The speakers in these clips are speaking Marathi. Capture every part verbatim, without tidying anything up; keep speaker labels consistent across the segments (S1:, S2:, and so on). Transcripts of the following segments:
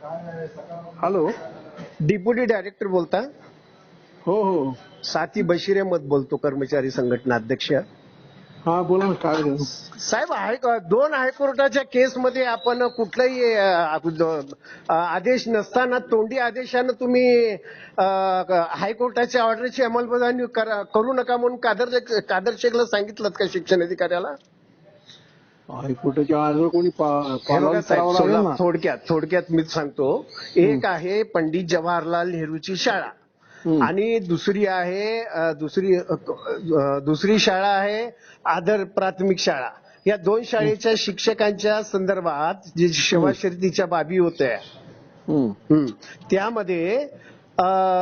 S1: हॅलो,
S2: डिप्युटी डायरेक्टर बोलता?
S1: हो हो,
S2: साथी बशीर अहमद बोलतो, कर्मचारी संघटना अध्यक्ष.
S1: हा बोला ना, काय झालं?
S2: साहेब, हाय दोन हायकोर्टाच्या केसमध्ये आपण कुठलाही अ, आदेश नसताना तोंडी आदेशानं तुम्ही अ, हायकोर्टाच्या ऑर्डरची अंमलबजावणी करा- करू नका म्हणून कादर कादर शेखला सांगितलं का शिक्षण अधिकाऱ्याला?
S1: हायकोर्टाच्या ऑर्डर कोणी पा-
S2: हे
S1: पालन
S2: बघा साहेब,
S1: करावं लागेल
S2: सोला-
S1: ना.
S2: थोडक्यात थोडक्यात मीच सांगतो. एक आहे पंडित जवाहरलाल नेहरूची शाळा
S1: हम्म.
S2: आणि दुसरी आहे अ, दुसरी अ, अ, दुसरी शाळा आहे आदर प्राथमिक शाळा. या दोन शाळेच्या शिक्षकांच्या संदर्भात जे सेवा शर्तीच्या बाबी होत्या,
S1: हम्म.
S2: हं, त्यामध्ये अ,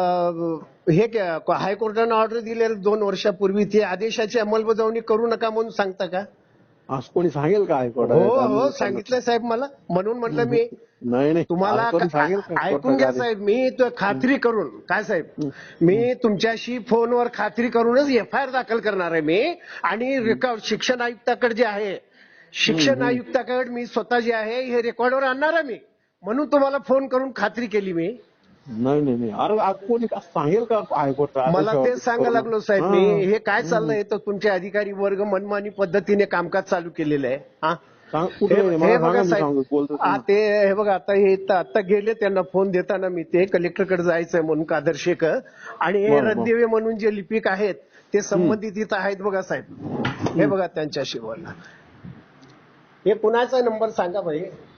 S2: हे क्या- हायकोर्टानं ऑर्डर दिलेलं दोन वर्षापूर्वी ते आदेशाची अंमलबजावणी करू नका म्हणून सांगता का?
S1: असं कोणी सांगेल का
S2: हो
S1: हायकोर्टात?
S2: हो, सांगितलंय साहेब मला, म्हणून म्हटलं मी
S1: नाही नाही,
S2: तुम्हाला.
S1: असं कोणी सांगेल का
S2: ऐकून
S1: कोर्टाच्या
S2: घ्या
S1: आधी?
S2: साहेब, मी तो खात्री करून काय साहेब,
S1: हम्म.
S2: मी तुमच्याशी फोनवर खात्री करूनच एफ आय आर दाखल करणार आहे मी. आणि रेकॉर्ड शिक्षण आयुक्ताकडे जे आहे, शिक्षण आयुक्ताकडे मी स्वतः जे आहे हे रेकॉर्डवर आणणार आहे मी, म्हणून तुम्हाला फोन करून खात्री केली मी.
S1: नाही नाही नाही, अरे आज कोणी असं सांगेल का हायकोर्टात?
S2: मला तेच सांगायला लागलो साहेब मी. हे काय चाललंय तर तुमचे अधिकारी वर्ग मनमानी पद्धतीने कामकाज चालू केलेलं आहे. हा, हे हे बघा साहेब, आ, ते हे बघा आता हे इथं आता गेले, त्यांना फोन देताना मी ते कलेक्टरकडे जायचंय म्हणून कादर शेख, आणि हे
S1: बरं, बरं.
S2: रद्देवे म्हणून जे लिपिक आहेत ते संबंधित इथं आहेत बघा साहेब. हे बघा त्यांच्याशी बोलला. हे कुणाचा नंबर सांगा भाई,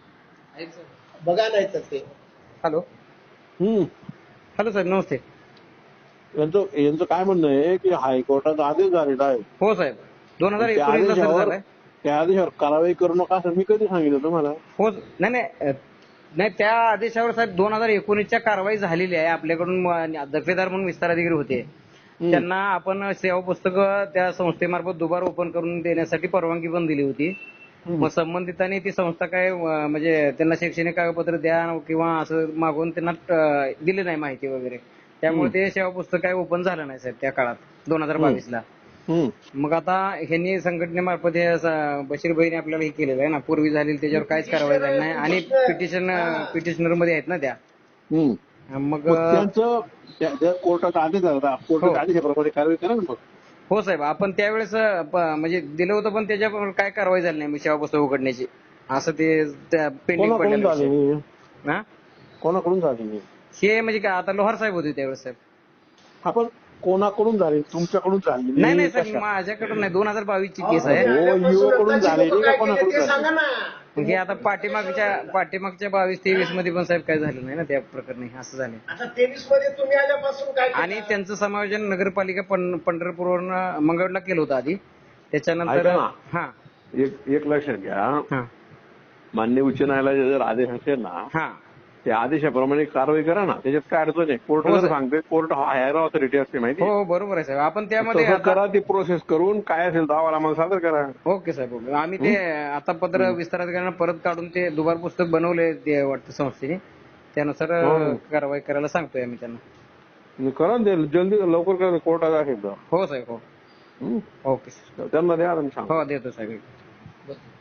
S2: बघा नाही तर ते. Hello
S1: hmm.
S3: हॅलो साहेब, नमस्ते.
S1: यांचं यांचं काय म्हणणं आहे की हायकोर्टाचा आदेश झालेला आहे,
S3: हो साहेब, दोन हजार
S1: त्या
S3: एकोणीसला सर
S1: आदेशावर
S3: झालाय.
S1: त्या आदेशावर कारवाई करू नका असं मी कधी सांगितलं तुम्हाला?
S3: हो, नाही नाही अ, नाही, त्या आदेशावर साहेब दोन हजार एकोणीसच्या कारवाई झालेली आहे. आपल्याकडून म- दर्जेदार म्हणून विस्तार अधिकारी होते, त्यांना आपण सेवा पुस्तकं त्या संस्थेमार्फत दुबार ओपन करून देण्यासाठी परवानगी पण दिली होती. मग संबंधितांनी ती संस्था काय अ, म्हणजे त्यांना शैक्षणिक कागदपत्र द्या किंवा असं मागून त्यांना अ, दिली नाही माहिती वगैरे, त्यामुळे ते सेवा पुस्तक काय ओपन झालं नाही साहेब त्या काळात दोन हजार बावीस ला.
S1: हम्म.
S3: मग आता ह्यांनी संघटनेमार्फत हे असं बशीर भाईने आपल्याला हे केलेलं आहे ना, पूर्वी झालेली त्याच्यावर काहीच कारवाई झाली नाही, आणि पिटिशन पिटिशनर मध्ये आहेत ना त्या.
S1: हम्म.
S3: मग
S1: मग त्यांचं त्या- त्या कोर्टाचा आदेश झाला, कोर्टाच्या आदेशाप्रमाणे कारवाई करा ना मग.
S3: हो साहेब, आपण त्यावेळेस अ, प- म्हणजे दिलं होतं, पण त्याच्यावर काय कारवाई झाली नाही सेवा पुस्तक उघडण्याची, असं ते पेंडिंग
S1: कोणाकडून
S3: पडलेलं
S1: झाली
S3: विषय.
S1: नाही?
S3: हा,
S1: कोणाकडून झाली नाही?
S3: हे म्हणजे काय, आता लोहार साहेब होते त्यावेळेस साहेब.
S1: आपण कोणाकडून झाली? तुमच्याकडून झाली
S3: नाही नाही साहेब, माझ्याकडून नाही, दोन हजार बावीस ची केस आहे.
S1: हो, युवकडून झालेली का कोणाकडून झाली?
S3: मग हे आता पाठीमागच्या पाठीमागच्या बावीस तेवीस मध्ये पण साहेब काय झालं नाही ना त्या प्रकरणी, असं झालं.
S2: आता तेवीस मध्ये तुम्ही आल्यापासून काय केलं?
S3: आणि त्यांचं समायोजन नगरपालिका पं- पंढरपूरवरून मंगळवेढला केलं होतं आधी, त्याच्यानंतर
S4: ऐका ना.
S3: हा
S4: एक एक लक्षात घ्या,
S3: हा
S4: मान्य उच्च न्यायालयाचे जर आदेश असेल ना,
S3: हा
S4: त्या आदेशाप्रमाणे कारवाई करा ना, त्याच्यात काय अडचण आहे? कोर्ट
S3: हो,
S4: जर
S3: सर.
S4: सांगते, कोर्ट हायर ऑथॉरिटी असते माहिती
S3: हो
S4: आहे?
S3: हो, बरोबर आहे साहेब. आपण त्यामध्ये
S4: तसं
S3: आता
S4: करा, ती प्रोसेस करून काय असेल दावा आम्हाला सादर करा.
S3: ओके साहेब, ओके. आम्ही ते आता पत्र विस्तार अधिकाऱ्यांना परत काढून ते दुबार पुस्तक बनवले ते वाटतं संस्थेने, त्यानुसार
S4: हो.
S3: कारवाई करायला सांगतोय आम्ही त्यांना.
S4: म्हणजे करा ना ते, जल्दी लवकर करा, कोर्टात असेल तर.
S3: हो साहेब, हो.
S4: हं?
S3: ओके सर,
S4: त्यांना द्या आणि सांगा.
S3: हो देतो साहेब.